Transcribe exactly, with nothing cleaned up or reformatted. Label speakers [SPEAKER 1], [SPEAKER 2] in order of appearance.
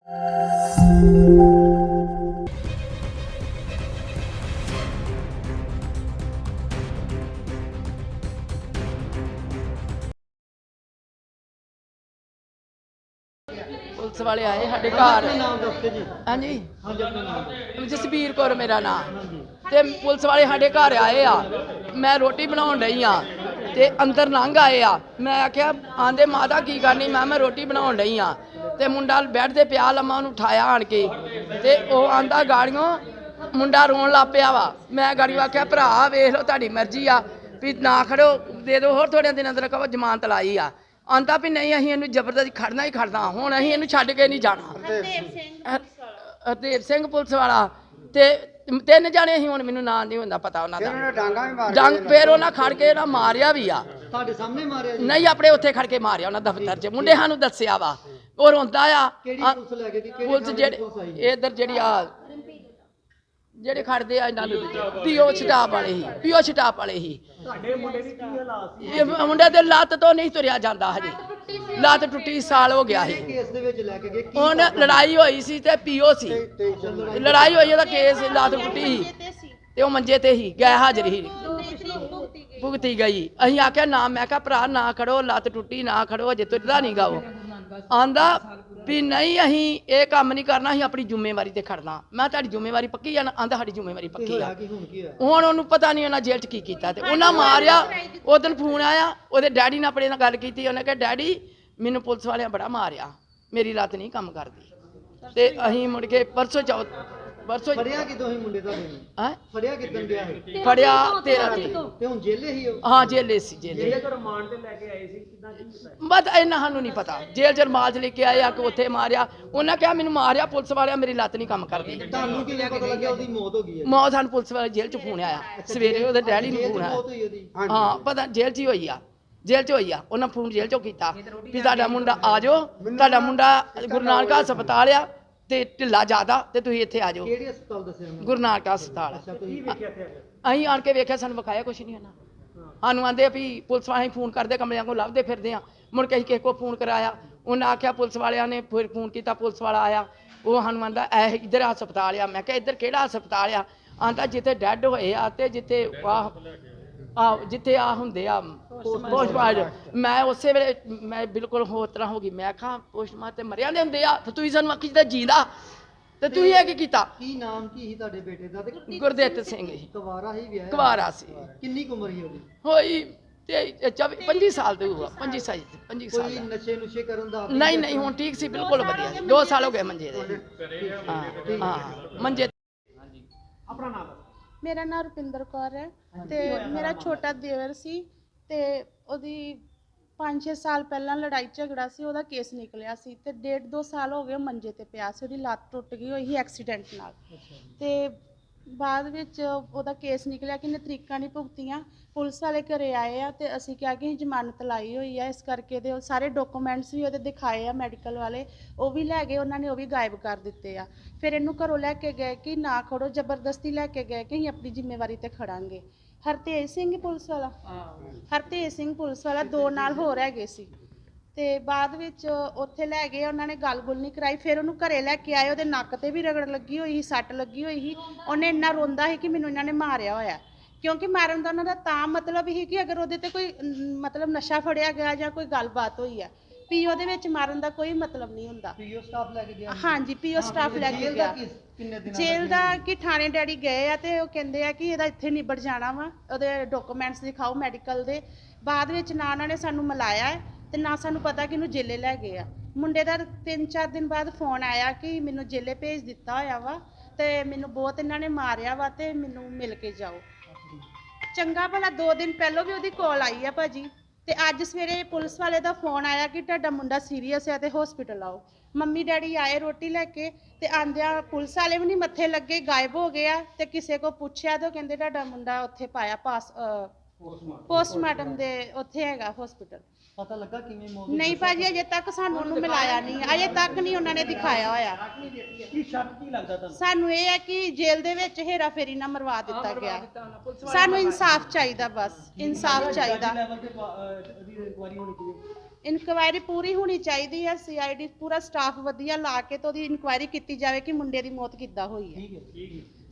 [SPEAKER 1] Police वाले आए साढ़े घर। हाँ जी, जसबीर कौर मेरा नाम। ते पुलिस वाले साढ़े घर आए आ, मैं रोटी बनाउण रही हाँ ते अंदर लंघ आए आ। मैं आख्या आंदे माता की करनी, मैं मैं रोटी बनाउण रही हाँ ते मुंडा बैठ ते पिया लम्मा, उन्हूं उठाया आण के ते ओह आंदा गाड़ियों मुंडा रोन लग पिया वा। मैं गाड़ियों आख्या भरा वेख लो तुहाडी मर्जी आ भी ना खड़ो, दे दो होर थोड़े दिन अंदर कहो जमानत लाई आ। आंदा भी नहीं असीं इहनूं जबरदस्ती खड़ना ही खड़ना, हुण असीं इहनूं छड्ड के नहीं जाना। हरदेव सिंह पुलिस वाला ते तीन जाने असीं, हुण मैनूं नाम नहीं हुंदा पता उन्हां दा। डंग फिर उन्हां खड़ के ना मारिया भी आ।
[SPEAKER 2] ਤੁਹਾਡੇ ਸਾਹਮਣੇ ਮਾਰਿਆ ਜੀ?
[SPEAKER 1] नहीं अपने उत्थे खड़ के मारिया उन्हां दफ्तर च। मुंडे सानूं दस्सिया वा और रोंदा आ।
[SPEAKER 2] ਕਿਹੜੀ ਪੁਲਿਸ ਲੈ ਕੇ ਗਈ? ਕਿਹੜੀ
[SPEAKER 1] पुलिस जेह्ड़े इधर जेह्ड़ी आ ਜਿਹੜੇ ਖੜਦੇ ਆ ਇਹਨਾਂ ਨੂੰ ਪੀਓ ਸਟਾਪ ਵਾਲੇ ਹੀ, ਪੀਓ ਸਟਾਪ ਵਾਲੇ ਹੀ।
[SPEAKER 2] ਤੁਹਾਡੇ ਮੁੰਡੇ ਦੀ ਕੀ ਹਾਲਾਤ ਸੀ?
[SPEAKER 1] ਇਹ ਮੁੰਡੇ ਦੇ ਲੱਤ ਤੋਂ ਨਹੀਂ ਤੁਰਿਆ ਜਾਂਦਾ ਹਜੇ, ਲੱਤ ਟੁੱਟੀ ਸਾਲ ਹੋ ਗਿਆ ਸੀ।
[SPEAKER 2] ਕੇਸ ਦੇ ਵਿੱਚ ਲੈ ਕੇ ਗਏ ਕੀ?
[SPEAKER 1] ਹੁਣ ਲੜਾਈ ਹੋਈ ਸੀ ਤੇ ਪੀਓ ਸੀ, ਲੜਾਈ ਹੋਈ ਉਹਦਾ ਕੇਸ ਲੱਤ ਟੁੱਟੀ ਸੀ ਤੇ ਉਹ ਮੰਜੇ ਤੇ ਹੀ ਗਏ ਹਾਜ਼ਰ ਹੀ ਭੁਗਤੀ ਗਈ। ਅਸੀਂ ਆਖਿਆ ਨਾ, ਮੈਂ ਕਿਹਾ ਭਰਾ ਨਾ ਖੜੋ, ਲੱਤ ਟੁੱਟੀ ਨਾ ਖੜੋ, ਅਜੇ ਤੁਰਦਾ ਨਹੀਂ ਗਾ। ਉਹ ਆਂਦਾ ਵੀ ਨਹੀਂ ਅਸੀਂ ਇਹ ਕੰਮ ਨਹੀਂ ਕਰਨਾ, ਅਸੀਂ ਆਪਣੀ ਜ਼ਿੰਮੇਵਾਰੀ ਤੇ ਖੜਨਾ। ਮੈਂ ਤੁਹਾਡੀ ਜ਼ਿੰਮੇਵਾਰੀ ਪੱਕੀ ਆ ਨਾ? ਆਂਦਾ ਸਾਡੀ ਜ਼ਿੰਮੇਵਾਰੀ ਪੱਕੀ ਆ। ਹੁਣ ਉਹਨੂੰ ਪਤਾ ਨਹੀਂ ਉਹਨਾਂ ਜੇਲ੍ਹ 'ਚ ਕੀ ਕੀਤਾ ਤੇ ਉਹਨਾਂ ਮਾਰਿਆ। ਉਹ ਦਿਨ ਫੋਨ ਆਇਆ, ਉਹਦੇ ਡੈਡੀ ਨਾਲ ਆਪਣੇ ਨਾਲ ਗੱਲ ਕੀਤੀ। ਉਹਨੇ ਕਿਹਾ ਡੈਡੀ ਮੈਨੂੰ ਪੁਲਿਸ ਵਾਲਿਆਂ ਬੜਾ ਮਾਰਿਆ, ਮੇਰੀ ਲੱਤ ਨਹੀਂ ਕੰਮ ਕਰਦੀ। ਤੇ ਅਸੀਂ ਮੁੜ ਕੇ ਪਰਸੋਂ ਚੌਥ ਪਰਸੋਂ
[SPEAKER 2] ਫੜਿਆ ਕਿਦੋਂ ਹੀ ਮੁੰਡੇ ਤੁਹਾਡੇ ਨੂੰ?
[SPEAKER 1] ਹੈ
[SPEAKER 2] ਫੜਿਆ ਕਿਦੋਂ ਗਿਆ ਹੈ?
[SPEAKER 1] ਫੜਿਆ ਤੇਰਾਂ ਤੇ।
[SPEAKER 2] ਤੇ ਹੁਣ ਜੇਲੇ ਹੀ ਹੋ?
[SPEAKER 1] ਹਾਂ ਜੇਲੇ ਸੀ, ਜੇਲੇ।
[SPEAKER 2] ਜੇਲੇ ਤੋਂ ਰਿਮਾਂਡ ਤੇ ਲੈ ਕੇ ਆਏ ਸੀ, ਕਿਦਾਂ ਕੀ ਕੀਤਾ?
[SPEAKER 1] ਬਸ ਇੰਨਾ ਸਾਨੂੰ ਨਹੀਂ ਪਤਾ। ਜੇਲ੍ਹ 'ਚ ਰਮਾਜ ਲੈ ਕੇ ਆਏ ਆ ਕਿ ਉੱਥੇ ਮਾਰਿਆ। ਉਹਨਾਂ ਕਿਹਾ ਮੈਨੂੰ ਮਾਰਿਆ ਪੁਲਿਸ ਵਾਲਿਆਂ, ਮੇਰੀ ਲੱਤ ਨਹੀਂ ਕੰਮ ਕਰਦੀ।
[SPEAKER 2] ਤੁਹਾਨੂੰ ਕੀ ਪਤਾ ਲੱਗਿਆ ਉਹਦੀ ਮੌਤ ਹੋ ਗਈ ਹੈ?
[SPEAKER 1] ਮੌਤ ਸਾਨੂੰ ਪੁਲਿਸ ਵਾਲੇ ਜੇਲ੍ਹ 'ਚ ਫੋਨ ਆਇਆ ਸਵੇਰੇ, ਉਹਦੇ ਡੈਡੀ ਨੂੰ ਫੋਨ ਆਇਆ। ਹਾਂ ਪਤਾ ਜੇਲ੍ਹ 'ਚ ਹੀ ਹੋਈ ਆ, ਜੇਲ੍ਹ 'ਚ ਹੋਈ ਆ। ਉਹਨਾਂ ਫੋਨ ਜੇਲ੍ਹ 'ਚੋਂ ਕੀਤਾ ਵੀ ਤੁਹਾਡਾ ਮੁੰਡਾ ਆ ਜਾਓ, ਤੁਹਾਡਾ ਮੁੰਡਾ ਗੁਰੂ ਨਾਨਕ ਹਸਪਤਾਲ ਆ ਤੇ ਢਿੱਲਾ ਜ਼ਿਆਦਾ ਤੇ ਤੁਸੀਂ ਇੱਥੇ ਆ ਜਾਓ।
[SPEAKER 2] ਕਿਹੜੇ ਹਸਪਤਾਲ ਦੱਸਿਆ?
[SPEAKER 1] ਗੁਰੂ ਨਾਨਕ ਹਸਪਤਾਲ।
[SPEAKER 2] ਕੀ ਵੇਖਿਆ ਇੱਥੇ?
[SPEAKER 1] ਅਸੀਂ ਆਣ ਕੇ ਵੇਖਿਆ, ਸਾਨੂੰ ਵਿਖਾਇਆ ਕੁਛ ਨਹੀਂ ਉਹਨਾਂ। ਸਾਨੂੰ ਆਂਦੇ ਵੀ ਪੁਲਿਸ ਵਾਲੇ ਫੋਨ ਕਰਦੇ ਕਮਰਿਆਂ ਕੋਲ ਲੱਭਦੇ ਫਿਰਦੇ ਆ। ਮੁੜ ਕੇ ਅਸੀਂ ਕਿਸੇ ਕੋਲ ਫੋਨ ਕਰਾਇਆ, ਉਹਨਾਂ ਆਖਿਆ ਪੁਲਿਸ ਵਾਲਿਆਂ ਨੇ ਫਿਰ ਫੋਨ ਕੀਤਾ, ਪੁਲਿਸ ਵਾਲਾ ਆਇਆ। ਉਹ ਸਾਨੂੰ ਆਂਦਾ ਇਹ ਇੱਧਰ ਹਸਪਤਾਲ ਆ। ਮੈਂ ਕਿਹਾ ਇੱਧਰ ਕਿਹੜਾ ਹਸਪਤਾਲ ਆ? ਆਂਦਾ ਜਿੱਥੇ ਡੈਡ ਹੋਏ ਆ ਤੇ ਜਿੱਥੇ ਆਹ ਆ ਜਿੱਥੇ ਆ ਹੁੰਦੇ ਆ ਪੋਸਟਮਾਰਟਮ। ਮੈਂ ਉਸੇ ਵੇਲੇ ਮੈਂ ਬਿਲਕੁਲ ਹੋਰ ਤਰ੍ਹਾਂ ਹੋ ਗਈ। ਮੈਂ ਕਿਹਾ ਪੋਸਟਮਾਰਟਮ ਤੇ ਮਰਿਆ ਦੇ ਹੁੰਦੇ ਆ ਤੇ ਤੁਸੀਂ ਸਾਨੂੰ ਆਖੀ ਜਿੱਦਾਂ ਜੀਂਦਾ ਤੇ ਤੁਸੀਂ ਇਹ ਕੀ ਕੀਤਾ?
[SPEAKER 2] ਕੀ ਨਾਮ ਕੀ ਸੀ ਤੁਹਾਡੇ ਬੇਟੇ ਦਾ? ਤੇ
[SPEAKER 1] ਗੁਰਦਿੱਤ ਸਿੰਘ ਜੀ।
[SPEAKER 2] ਕੁਵਾਰਾ ਹੀ ਵਿਆਹ?
[SPEAKER 1] ਕੁਵਾਰਾ ਸੀ।
[SPEAKER 2] ਕਿੰਨੀ ਕੁ ਉਮਰ ਸੀ ਉਹਦੀ?
[SPEAKER 1] ਹੋਈ ਤੇ ਚੌਵੀ ਪੰਜੀ ਸਾਲ ਦੇ ਹੋਊਗਾ, ਪੰਜੀ ਸਾਲ ਪੰਜੀ ਸਾਲ
[SPEAKER 2] ਕੋਈ ਨਸ਼ੇ ਨੁਸ਼ੇ ਕਰਨ ਦਾ?
[SPEAKER 1] ਨਹੀਂ ਨਹੀਂ, ਹੁਣ ਠੀਕ ਸੀ, ਬਿਲਕੁਲ ਵਧੀਆ ਸੀ। ਦੋ ਸਾਲ ਹੋ ਗਏ ਮੰਜੇ ਦੇ। ਹਾਂ ਹਾਂ ਮੰਜੇ।
[SPEAKER 2] ਆਪਣਾ ਨਾਮ?
[SPEAKER 3] ਮੇਰਾ ਨਾਮ ਰੁਪਿੰਦਰ ਕੌਰ ਹੈ ਤੇ ਮੇਰਾ ਛੋਟਾ ਦੇਵਰ ਸੀ ਤੇ ਉਹਦੀ ਪੰਜ ਛੇ ਸਾਲ ਪਹਿਲਾਂ ਲੜਾਈ ਝਗੜਾ ਸੀ, ਉਹਦਾ ਕੇਸ ਨਿਕਲਿਆ ਸੀ ਤੇ ਡੇਢ ਦੋ ਸਾਲ ਹੋ ਗਏ ਮੰਜੇ ਤੇ ਪਿਆ ਸੀ। ਉਹਦੀ ਲੱਤ ਟੁੱਟ ਗਈ ਹੋਈ ਸੀ ਐਕਸੀਡੈਂਟ ਨਾਲ ਤੇ ਬਾਅਦ ਵਿੱਚ ਉਹਦਾ ਕੇਸ ਨਿਕਲਿਆ ਕਿ ਇਹਨੇ ਤਰੀਕਾਂ ਨਹੀਂ ਭੁਗਤੀਆਂ। ਪੁਲਿਸ ਵਾਲੇ ਘਰੇ ਆਏ ਆ ਤੇ ਅਸੀਂ ਕਿਹਾ ਕਿ ਅਸੀਂ ਜ਼ਮਾਨਤ ਲਾਈ ਹੋਈ ਆ, ਇਸ ਕਰਕੇ ਦੇ ਸਾਰੇ ਡਾਕੂਮੈਂਟਸ ਵੀ ਉਹਦੇ ਦਿਖਾਏ ਆ ਮੈਡੀਕਲ ਵਾਲੇ, ਉਹ ਵੀ ਲੈ ਗਏ ਉਹਨਾਂ ਨੇ, ਉਹ ਵੀ ਗਾਇਬ ਕਰ ਦਿੱਤੇ ਆ। ਫਿਰ ਇਹਨੂੰ ਘਰੋਂ ਲੈ ਕੇ ਗਏ ਕਿ ਨਾ ਖੜੋ, ਜ਼ਬਰਦਸਤੀ ਲੈ ਕੇ ਗਏ ਕਿ ਅਸੀਂ ਆਪਣੀ ਜ਼ਿੰਮੇਵਾਰੀ ਤੇ ਖੜਾਂਗੇ। ਹਰਤੇਜ ਸਿੰਘ ਪੁਲਿਸ ਵਾਲਾ, ਹਰਤੇਜ ਸਿੰਘ ਪੁਲਿਸ ਵਾਲਾ ਦੋ ਨਾਲ ਹੋਰ ਹੈਗੇ ਸੀ ਤੇ ਬਾਅਦ ਵਿੱਚ ਉੱਥੇ ਲੈ ਗਏ, ਉਹਨਾਂ ਨੇ ਗੱਲ ਗੁੱਲ ਨਹੀਂ ਕਰਾਈ। ਫਿਰ ਉਹਨੂੰ ਘਰੇ ਲੈ ਕੇ ਆਏ, ਉਹਦੇ ਨੱਕ ਤੇ ਵੀ ਰਗੜ ਲੱਗੀ ਹੋਈ ਸੀ, ਸੱਟ ਲੱਗੀ ਹੋਈ ਸੀ। ਉਹਨੇ ਇੰਨਾ ਰੋਂਦਾ ਸੀ ਕਿ ਮੈਨੂੰ ਇਹਨਾਂ ਨੇ ਮਾਰਿਆ ਹੋਇਆ, ਕਿਉਂਕਿ ਮਾਰਨ ਦਾ ਉਹਨਾਂ ਦਾ ਤਾਂ ਮਤਲਬ ਸੀ ਕਿ ਅਗਰ ਉਹਦੇ ਤੇ ਕੋਈ ਮਤਲਬ ਨਸ਼ਾ ਫੜਿਆ ਗਿਆ ਜਾਂ ਕੋਈ ਗੱਲਬਾਤ ਹੋਈ ਹੈ। ਪੀਓ ਦੇ ਵਿੱਚ ਮਾਰਨ ਦਾ ਕੋਈ ਮਤਲਬ ਨਹੀਂ ਹੁੰਦਾ।
[SPEAKER 2] ਪੀਓ ਸਟਾਫ ਲੈ ਕੇ ਗਿਆ? ਹਾਂਜੀ,
[SPEAKER 3] ਪੀਓ ਸਟਾਫ ਲੈ ਕੇ ਗਿਆ। ਜੇਲ੍ਹ ਦਾ ਕਿ ਥਾਣੇ ਡੈਡੀ ਗਏ ਆ ਤੇ ਉਹ ਕਹਿੰਦੇ ਆ ਕਿ ਇਹਦਾ ਇੱਥੇ ਨਿਬੜ ਜਾਣਾ ਵਾ, ਉਹਦੇ ਡਾਕੂਮੈਂਟਸ ਦਿਖਾਓ ਮੈਡੀਕਲ ਦੇ। ਬਾਅਦ ਵਿੱਚ ਨਾ ਉਹਨਾਂ ਨੇ ਸਾਨੂੰ ਮਿਲਾਇਆ ਤੇ ਨਾ ਸਾਨੂੰ ਪਤਾ ਕਿ ਇਹਨੂੰ ਜੇਲੇ ਲੈ ਗਏ ਆ। ਮੁੰਡੇ ਦਾ ਤਿੰਨ ਚਾਰ ਦਿਨ ਬਾਅਦ ਫੋਨ ਆਇਆ ਕਿ ਮੈਨੂੰ ਜੇਲੇ ਭੇਜ ਦਿੱਤਾ ਹੋਇਆ ਵਾ ਤੇ ਮੈਨੂੰ ਬਹੁਤ ਇਹਨਾਂ ਨੇ ਮਾਰਿਆ ਵਾ ਤੇ ਮੈਨੂੰ ਮਿਲ ਕੇ ਜਾਓ। ਚੰਗਾ ਭਲਾ ਦੋ ਦਿਨ ਪਹਿਲਾਂ ਵੀ ਉਹਦੀ ਕਾਲ ਆਈ ਆ ਭਾਜੀ ਤੇ ਅੱਜ ਸਵੇਰੇ ਪੁਲਿਸ ਵਾਲੇ ਦਾ ਫੋਨ ਆਇਆ ਕਿ ਤੁਹਾਡਾ ਮੁੰਡਾ ਸੀਰੀਅਸ ਹੈ ਤੇ ਹਸਪੀਟਲ ਆਓ। ਮੰਮੀ ਡੈਡੀ ਆਏ ਰੋਟੀ ਲੈ ਕੇ ਤੇ ਆਂਦਿਆਂ ਪੁਲਿਸ ਵਾਲੇ ਵੀ ਨਹੀਂ ਮੱਥੇ ਲੱਗੇ, ਗਾਇਬ ਹੋ ਗਏ ਆ ਤੇ ਕਿਸੇ ਕੋ ਪੁੱਛਿਆ ਤਾਂ ਕਹਿੰਦੇ ਤੁਹਾਡਾ ਮੁੰਡਾ ਉੱਥੇ ਪਾਇਆ ਪਾਸ ਪੋਸਟਮਾਰਟਮ ਦੇ ਉੱਥੇ ਹੈਗਾ ਹਸਪੀਟਲ।
[SPEAKER 2] ਪਤਾ ਲੱਗਾ ਕਿਵੇਂ ਮੌਤ? ਨਹੀਂ
[SPEAKER 3] ਭਾਜੀ ਅਜੇ ਤੱਕ ਸਾਨੂੰ ਉਹਨੂੰ ਮਿਲਾਇਆ ਨਹੀਂ, ਅਜੇ ਤੱਕ ਨਹੀਂ ਉਹਨਾਂ ਨੇ ਦਿਖਾਇਆ ਹੋਇਆ।
[SPEAKER 2] ਕੀ ਸ਼ੱਕ ਕੀ ਲੱਗਦਾ ਤੁਹਾਨੂੰ?
[SPEAKER 3] ਸਾਨੂੰ ਇਹ ਹੈ ਕਿ ਜੇਲ੍ਹ ਦੇ ਵਿੱਚ ਹੇਰਾ ਫੇਰੀ ਨਾ ਮਰਵਾ ਦਿੱਤਾ ਗਿਆ। ਸਾਨੂੰ ਇਨਸਾਫ ਚਾਹੀਦਾ, ਬਸ ਇਨਸਾਫ ਚਾਹੀਦਾ। ਇਨਕੁਆਇਰੀ ਪੂਰੀ ਹੋਣੀ ਚਾਹੀਦੀ ਹੈ, ਸੀਆਈਡੀ ਪੂਰਾ ਸਟਾਫ ਵਧੀਆ ਲਾ ਕੇ ਤੇ ਉਹਦੀ ਇਨਕੁਆਇਰੀ ਕੀਤੀ ਜਾਵੇ ਕਿ ਮੁੰਡੇ ਦੀ ਮੌਤ ਕਿੱਦਾਂ ਹੋਈ ਹੈ।
[SPEAKER 2] ਠੀਕ ਹੈ ਠੀਕ ਹੈ